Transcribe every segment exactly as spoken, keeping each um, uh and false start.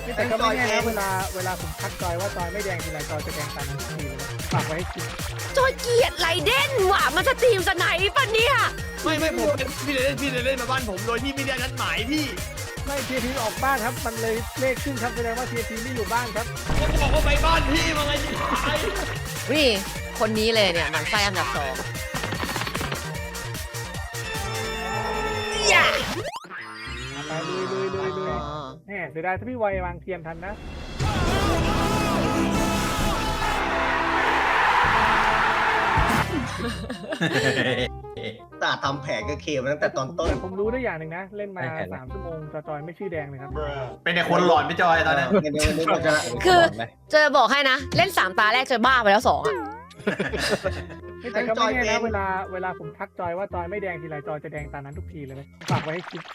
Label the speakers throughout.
Speaker 1: แต่ก็ไม่แน่นะเวลาเวลาผมทักจอยว่าจอยไม่แดงทีไรจอยจะแดงตามนั้นทุกทีเลยฝากไว้ให้คิด
Speaker 2: จอยเกลียดไรเด่นว่ะมันสตรีมสไนป์ปะเนี่ย
Speaker 3: ไม่ไม่ผมเป็นพี่เล่นพี่เล่นมาบ้านผมโดยที่ไม่ได้นัดหมายพี่
Speaker 1: ไม่ทีพีออกบ้านครับมันเลยเลขขึ้นครับแสดงว่าทีพีไม่อยู่บ้านครับ
Speaker 3: ผมบอกว่าไปบ้านพี่มาไงที่ไหน
Speaker 2: นี่คนนี้เลยเนี่ยหมันไส้อันดับสองอย่า
Speaker 1: ไปลุยลุยลุยลุย
Speaker 2: อ๋อ
Speaker 1: แหมเสียดายถ้าพี่วัยวางเทียมทันนะ
Speaker 4: ตาทำแผนกับเคมาตั้งแต่ตอนต้น
Speaker 1: แต่ผมรู้ได้อย่างหนึ่งนะเล่นมาสามชั่วโมงจอยจอยไม่ชื่อแดงเลยครับ
Speaker 5: เป็นแต่คนหลอนพี่จอยตอนนั้น
Speaker 4: เดี๋ยวเดี๋ยวเราจะ
Speaker 2: คือเจอบอกให้นะ เล่นสามตาแรกเจอบ้าไปแล้วสองอ่ะ
Speaker 1: แต่ก็ไม่แน่นะเวลาเวลาผมทักจอยว่าจอยไม่แดงทีไรจอยจะแดงตามนั้นทุกทีเลยฝากไว้ให้คิด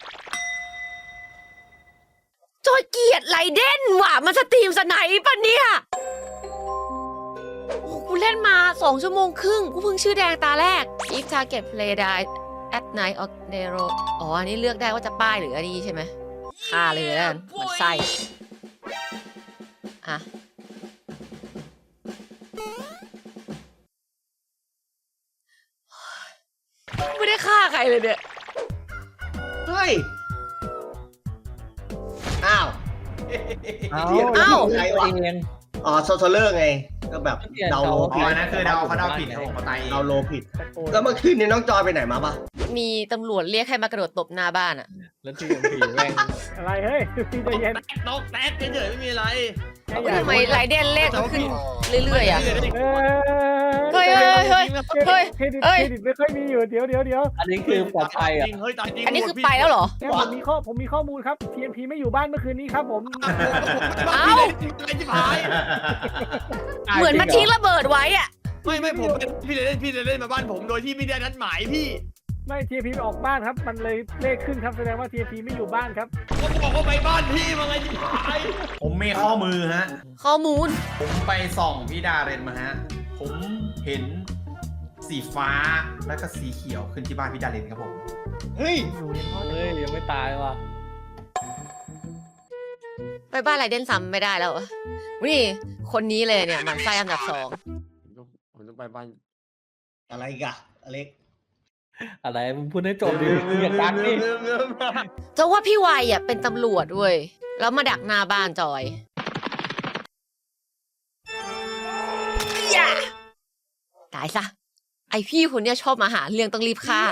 Speaker 2: จอยเกลียดไรเด่นว่ะมันสตรีมสไนป์ปะเนี่ยโอ้กูเล่นมาสองชั่วโมงครึ่งกูเพิ่งชื่อแดงตาแรก if target play die at night or day roll อ๋ออันนี้เลือกได้ว่าจะป้ายหรืออันนี้ใช่ไหมฆ่าเลยแล้วกันมันไส้อะไม่ได้ฆ่าใครเลยเนี่ย
Speaker 4: เฮ้ยอ้าว
Speaker 6: เอา
Speaker 2: เอ้า
Speaker 4: ใครวะ
Speaker 6: เอง
Speaker 4: อ๋อโซโซเลอร์ไงก็แบบเดาโล
Speaker 5: อ๋
Speaker 4: ผิ
Speaker 5: อ
Speaker 4: ด
Speaker 5: อันนั้นคือเดาเขาเดาผิดครับผมเขาตายเอง
Speaker 4: เดาโลผิด
Speaker 1: ตะโกน
Speaker 4: แล้วเมื่อคืนนี้น้องจอยไปไหนมาปะ
Speaker 2: มีตำรวจเรียกให้มากระโดดตบหน้าบ้านอ่ะ
Speaker 6: แล้วที่ยังผีแม่ง
Speaker 1: อะไรเฮ้ยพี่ใจเย็น
Speaker 3: ตกแตกเฉยๆไม่มีอะไร
Speaker 1: แค่อยาก
Speaker 2: ทำไมไรเดนเลขมันขึ้นเรื่อยๆอ่ะ
Speaker 1: เอ้ย
Speaker 2: เฮ้ยเฮ้ยเฮ้ย เฮ้ย
Speaker 1: เครดิต
Speaker 2: เฮ้ย
Speaker 1: เครดิตไม่ค่อยมีอยู่เดี๋ยวเดี๋ยวเดี๋ยว
Speaker 6: อันนี้คือปลอดภัยอ่ะ
Speaker 3: จริงเฮ้ยตายจริง
Speaker 2: อันนี้คือไปแล้วเหรอ
Speaker 1: เนี่ยผมมีข้อผมมีข้อมูลครับ ที เอ็ม พี ไม่อยู่บ้านเมื่อคืนนี้ครับผม
Speaker 2: เอ้า
Speaker 3: อะไรที่พาย
Speaker 2: เหมือนมันทิ้งระเบิดไว้อ่ะ
Speaker 3: ไม่ไม่ผมเป็นพี่เล่นพี่เล่นมาบ้านผมโดยที่ไม่ได้นัดหมายพี่
Speaker 1: ไม่ที เอ็ม พีออกบ้านครับมันเลยเลขขึ้นครับแสดงว่าที เอ็ม พีไม่อยู่บ้านครับ
Speaker 3: ผมบอกว่าไปบ้านพี่มาไงที่ไหน
Speaker 5: ผมมีข้อมือฮะ
Speaker 2: ข้อมูล
Speaker 5: ผมไปส่องพี่ดาเรนมาฮะ ผมเห็นสีฟ้าแล้วก็สีเขียวขึ้นที่บ้านพี่ดาเรนครับผม
Speaker 4: เฮ้ย
Speaker 1: อยู่ยังพอ
Speaker 6: เฮ้ยยังไม่ตายว่ะ
Speaker 2: ไปบ้านไรเดนซ้ำไม่ได้แล้วอะนี่คนนี้เลยเนี่ยหมันไส้อันดับสอง
Speaker 3: ผมต้องไปบ้าน
Speaker 4: อะไรอีกอะอเล็ก
Speaker 6: อะไรมึงพูดให้จบดิมึงอย่ากักดิ
Speaker 2: จะว่าพี่วัยอ่ะเป็นตำรวจด้วยแล้วมาดักหน้าบ้านจอยอย่าตายซะไอพี่คนเนี้ยชอบมาหาเรื่องต้องรีบฆ่า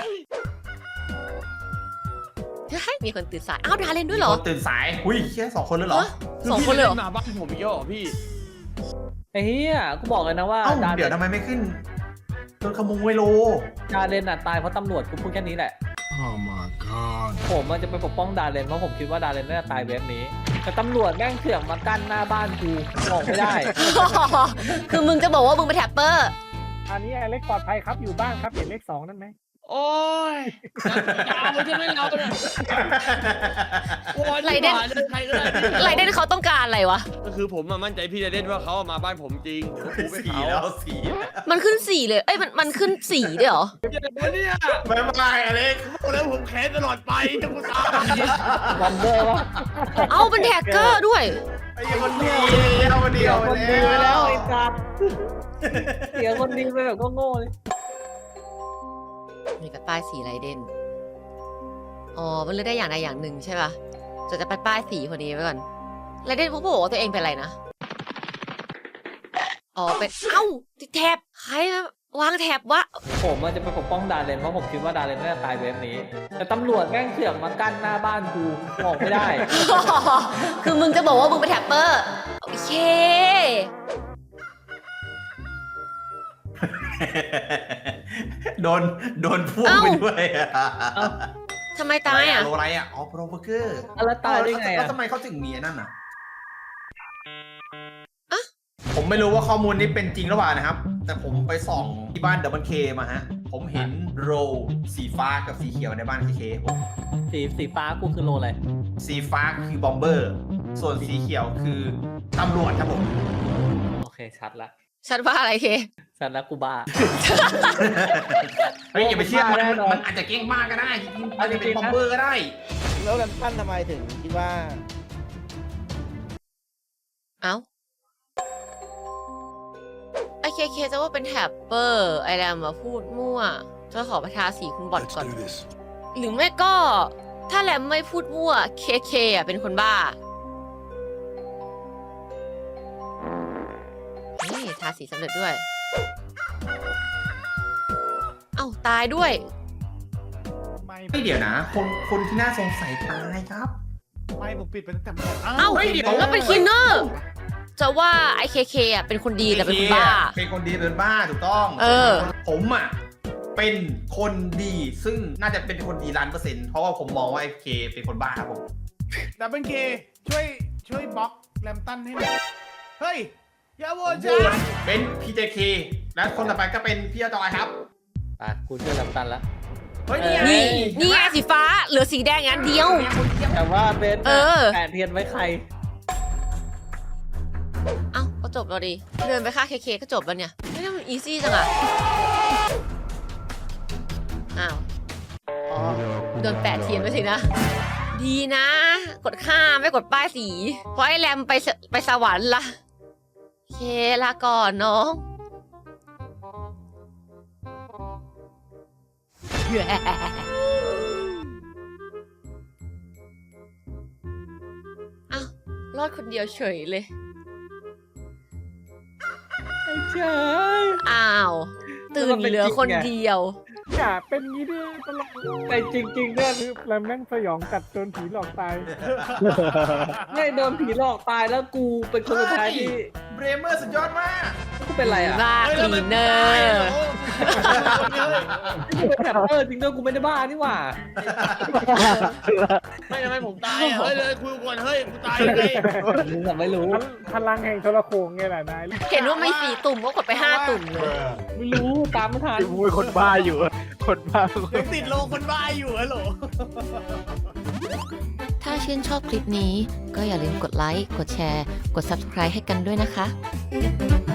Speaker 2: เฮ้ยมีคนตื่นสายอ้าวดาเล่นด้วยเหรอ
Speaker 5: คนตื่นสายอุ้ยแค่สองคนเลยเหรอ
Speaker 2: ฮะสองคนเลยเหรอ
Speaker 3: มาบ้านผมอีกแล้วเหรอพี่
Speaker 6: ไอ้เหี้ยกูบอกเลยนะว่า
Speaker 5: เอ้า
Speaker 6: ดา
Speaker 5: เดี๋ยวทำไมไม่ขึ้นโดนขโมยโล
Speaker 6: ดาเลนอ่ะตายเพราะตำรวจกูพูดแค่นี้แหละ
Speaker 7: Oh my god.
Speaker 6: ผมมันจะไปปกป้องดาเลนเพราะผมคิดว่าดาเลนน่าจะตายเว็บนี้ แต่ตำรวจแม่งเถื่อนมากั้นหน้าบ้านกูออกไม่ได้
Speaker 2: คือมึงจะบอกว่ามึงเป็นแท็ปเปอร์
Speaker 1: อันนี้ไอเล็กปลอดภัยครับอยู่บ้านครับเห็นเลขสองนั่นไหม
Speaker 3: โอ้ยยาวใช่ไหมเราเนี่ยโอ้ย
Speaker 2: ไรเดน
Speaker 3: ใครก็ได้
Speaker 2: ไรเดนเขาต้องการอะไรวะ
Speaker 3: ก็คือผมมั่นใจพี่เล่นว่าเขามาบ้านผมจริงผมไป
Speaker 5: สี
Speaker 3: เขา
Speaker 5: แล้วสีแล้ว
Speaker 2: มันขึ้นสี่เลย เอ้ยมันมันขึ้นสี่ด้วยเหรอ
Speaker 3: เนี่ย
Speaker 5: บายบายอเล็ก
Speaker 3: บอกแล้วผมแค้นตลอดไปจะกูตาย
Speaker 6: วันเดอร์วะ
Speaker 2: เอ้าเป็นแท็กเกอร์ด้วย
Speaker 5: ไอ้คนดีเอาคนเดียว
Speaker 6: คนดีไปแล้วไอ้สัตว์เสียคนดีไปแบบก็โง่เลย
Speaker 2: มีกับป้ายสีไรเดนอ๋อ มันเลือกได้อย่างใดอย่างหนึ่งใช่ป่ะ จะจะไปป้ายสีคนนี้ไว้ก่อนไรเดนเขาบอกว่าตัวเองเป็นอะไรนะ อ๋อ เป็น เอ้าติดแท็บใครมาวางแท็บวะ
Speaker 6: ผมมันจะไปปกป้องดาเลนเพราะผมคิดว่าดาเลนน่าจะตายเว็บนี้ แต่ตำรวจแม่งเถื่อนมากั้นหน้าบ้านกูออกไม่ได้
Speaker 2: คือมึงจะบอกว่ามึงเป็นแท็ปเปอร์ โอเค
Speaker 5: โดนโดนพ่วงไปด้วยอะ
Speaker 2: ทำไมตายอ่ะ
Speaker 5: โลอะไรอ่ะอ๋อโปรเบอร์เกอร์
Speaker 6: แล้วตายได้ไง
Speaker 5: แล้ว
Speaker 6: อ่ะ
Speaker 5: ทำไมเขาถึงมีอันนั่นอ่ะ
Speaker 2: อะ
Speaker 5: ผมไม่รู้ว่าข้อมูลนี้เป็นจริงหรือเปล่านะครับ แต่ผมไปส่องที่บ้านดับเบิลเคมาฮะ ผมเห็นโรสีฟ้ากับสีเขียวในบ้านเคเคผม
Speaker 6: สีสีฟ้ากูคือโลอะไร
Speaker 5: สีฟ้าคือบอมเบอร์ ส่วนสีเขียวคือตำรวจครับผม
Speaker 6: โอเคชัดละ
Speaker 2: ฉันว่าอะไรเค
Speaker 6: ชัดละกูบ้า
Speaker 5: เฮ้ยอย่าไปเชื่อมัน
Speaker 6: แน่นอน
Speaker 5: มันอาจจะเก่งมากก็ได้จริงๆอาจจะเป็นบอมเบอร์ก็ได้
Speaker 8: แล้วกันปั้นทำไมถึงคิดว่า
Speaker 2: เอ้าไอเคเคจะว่าเป็นแท็บเปอร์ไอแรมมาพูดมั่วจะขอประทาสีคุณบอด
Speaker 7: Let's
Speaker 2: ก่อน
Speaker 7: do this.
Speaker 2: หรือไม่ก็ถ้าแรมไม่พูดมั่วเคเคอ่ะเป็นคนบ้านี่ทาสีสำเร็จด้วย เอ้าตายด้วย
Speaker 1: ไม่
Speaker 5: ไม่เดี๋ยวนะ คนคนที่น่าสงสัยตายครับ
Speaker 1: ไม่ผมปิดไปตั้งแต่เมื่อไหร่
Speaker 2: เอ้า
Speaker 5: เฮ้ยเดี๋ยว
Speaker 2: แล้วเป็นคินเนอร์จะว่าไอเคเคอ่ะเป็นคนดีแต่เป็นคนบ้า
Speaker 5: เป็นคนดีเป็นบ้าถูกต้อง
Speaker 2: เออ
Speaker 5: ผมอ่ะเป็นคนดีซึ่งน่าจะเป็นคนดีล้านเปอร์เซ็นต์เพราะว่าผมมองว่าไอ้เคเป็นคนบ้าครับผม
Speaker 8: ดับเบิลเคช่วยช่วยบล็อกแรมตันให้หน่อยเฮ้ย อย่าโหวต
Speaker 5: โห
Speaker 8: จ้าว
Speaker 5: ตเป็นพีเจเคและคนต่อไปก็เป็นพี่จอยครับ
Speaker 6: อ่ะกูเชื่อลำตันแล้ว
Speaker 5: เฮ้ยนี่ไง
Speaker 2: นี่นี่ไงสีฟ้าเหลือสีแดงอันเดียว
Speaker 6: แต่ว่าเบน
Speaker 2: เออ
Speaker 6: แปดเทียนไว้ใคร
Speaker 2: เอ้าก็จบแล้วดิเดินไปฆ่าเคเคก็จบแล้วเนี่ยไม่ได้มันอีซี่จังอะอ้าวอ๋อโดนแปะเทียนไว้สินะ ดีนะ กดข้ามไม่กดป้ายสี เพราะไอ้แรมไปสไปสวรรค์ละเคลาก่อนน้องอ้าวรอดคนเดียวเฉยเลย
Speaker 6: ไอ้เจ้ย
Speaker 2: อ้าว ตื่นเหลือคนเดียว
Speaker 1: อย่าเป็นงี้ดิตลอด
Speaker 6: แต่จริงๆเนี่ย
Speaker 1: คือแรมแม่งสยองกัดโดนผีหลอกตาย
Speaker 6: ไม่โดนผีหลอกตายแล้วกูเป็นคนสุดท้ายที่
Speaker 5: เบรเมอร์สุดยอดมาก
Speaker 6: กูเป็นไรอ่ะ
Speaker 2: บ้าคลีนเนอร์
Speaker 6: กูเป็นแถบเออจริงด้วยกูไม่ได้บ้านี่หว่า
Speaker 8: ไม่ทำไมผมตายอ่ะ เฮ้ยเลยคุยก่อนเฮ้ย กูตายยังไง
Speaker 6: มึงอะไม่รู้
Speaker 1: พลังแห่งโทรโขงไงแหละนาย
Speaker 2: เห็นว่ามีสี่ตุ่มก็กดไปห้าตุ่มเลย
Speaker 6: ไม่รู้ตามไม่ทัน
Speaker 1: มึงเป็นคนบ้าอยู่ คนบ้า
Speaker 8: ยังติดโลคนบ้าอยู่ฮัลโหล
Speaker 2: ถ้าชื่นชอบคลิปนี้ก็อย่าลืมกดไลค์ กดแชร์ กด ซับสไครบ์ ให้กันด้วยนะคะ